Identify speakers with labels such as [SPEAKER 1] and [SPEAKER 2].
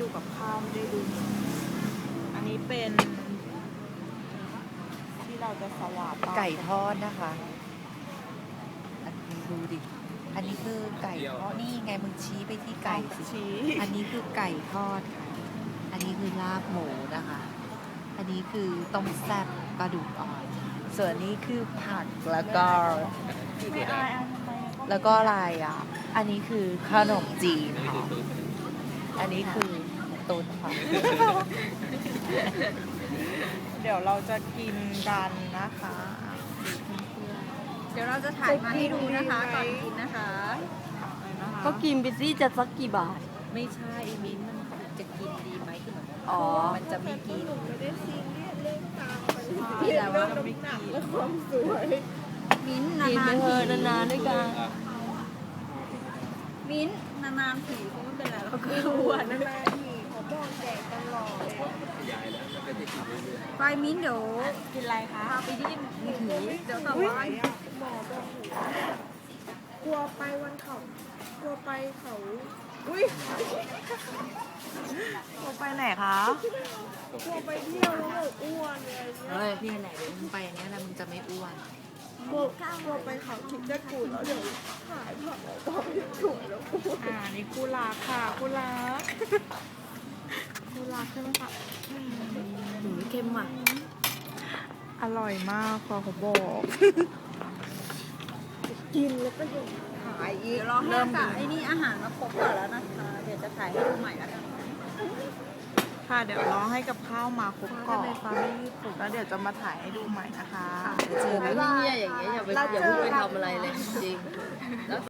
[SPEAKER 1] ดูกับข้าวไม่ได้ดูอันนี้เป็นที่เราจะสวาป
[SPEAKER 2] ไก่ทอดนะคะ อันนี้ดูดิ อันนี้คือไก่ทอด นี่ไงมึงชี้ไปที่ไก่สิ
[SPEAKER 1] ชี้
[SPEAKER 2] อันนี้คือไก่ทอดค่ะ อันนี้คือลาบหมูนะคะ อันนี้คือต้มแซ่บกระดูกอ่อน ส่วนนี้คือผักแล้วก็
[SPEAKER 1] ไม่อายทำไม
[SPEAKER 2] แล้วก็อะไรอ่ะ อันนี้คือขนมจีนค่ะ อันนี้คือตุ๋นค่ะ
[SPEAKER 1] เดี๋ยวเราจะกินกันนะคะ
[SPEAKER 3] เดี๋ยวเราจะถ่ายมาให้ดูนะคะก่อนกินนะคะ
[SPEAKER 4] ก็กินไปสิจะสักกี่บาท
[SPEAKER 2] ไม่ใช่มิ้นท์มันจะกินดีไหมคือเหมือน
[SPEAKER 4] อ๋อ
[SPEAKER 2] มันจะไม่กิน
[SPEAKER 1] พี่แต่ว่าเราไม่กิน
[SPEAKER 3] มิ้นท์
[SPEAKER 4] กิน
[SPEAKER 3] นา
[SPEAKER 4] ไป
[SPEAKER 3] นๆ
[SPEAKER 4] เถ
[SPEAKER 3] ที
[SPEAKER 4] อะนานๆด้วยกัน
[SPEAKER 3] มิ้นท์นานๆทีคงไม่เป็นไรหรอก
[SPEAKER 4] คืออ้วน
[SPEAKER 3] ไปมิ้นท์เดี๋ยว
[SPEAKER 1] กินอะไรคะ
[SPEAKER 3] พาไปที่มือถือเดี๋ยวต่อไป
[SPEAKER 1] กลัวไปวันเขากลัวไปเขาอุ้ยกลัวไปไหนคะกลัวไปเที่ยวแล้วแบบอ้วนเลย
[SPEAKER 2] เฮ้ยพี่ไหนเดี๋ยวมึงไปเนี้ยนะมึงจะไม่อ้วน
[SPEAKER 1] กลัวไปเขาคิดจะกูแล้วเดี๋ยวหายผักแล้วก็ไม่สวยแล้วกูนี่คู่รักค่ะคู่รักคู่รักใช่ไหมคะ
[SPEAKER 4] หนูเค็มอ่ะ
[SPEAKER 1] อร่อยมากพอเขาบอก กินแล้วก็ยังหายอีก
[SPEAKER 3] เดี๋ยวรอให้กับไอ้นี่อาหารมาครบก่อนแล้วนะคะ เดี๋ยวจะถ่ายให้ดูใหม่แล้วกัน
[SPEAKER 1] ค่ะเดี๋ยวรอให้กับข้าวมาครบก่อนแล้วเดี๋ยวจะมาถ่ายให้ดูใหม่นะคะ
[SPEAKER 2] เจอไหม
[SPEAKER 4] เนี่ยอย่างเงี้ยอย่าไปอย่าเพิ่งไปทำอะไรเลยจริง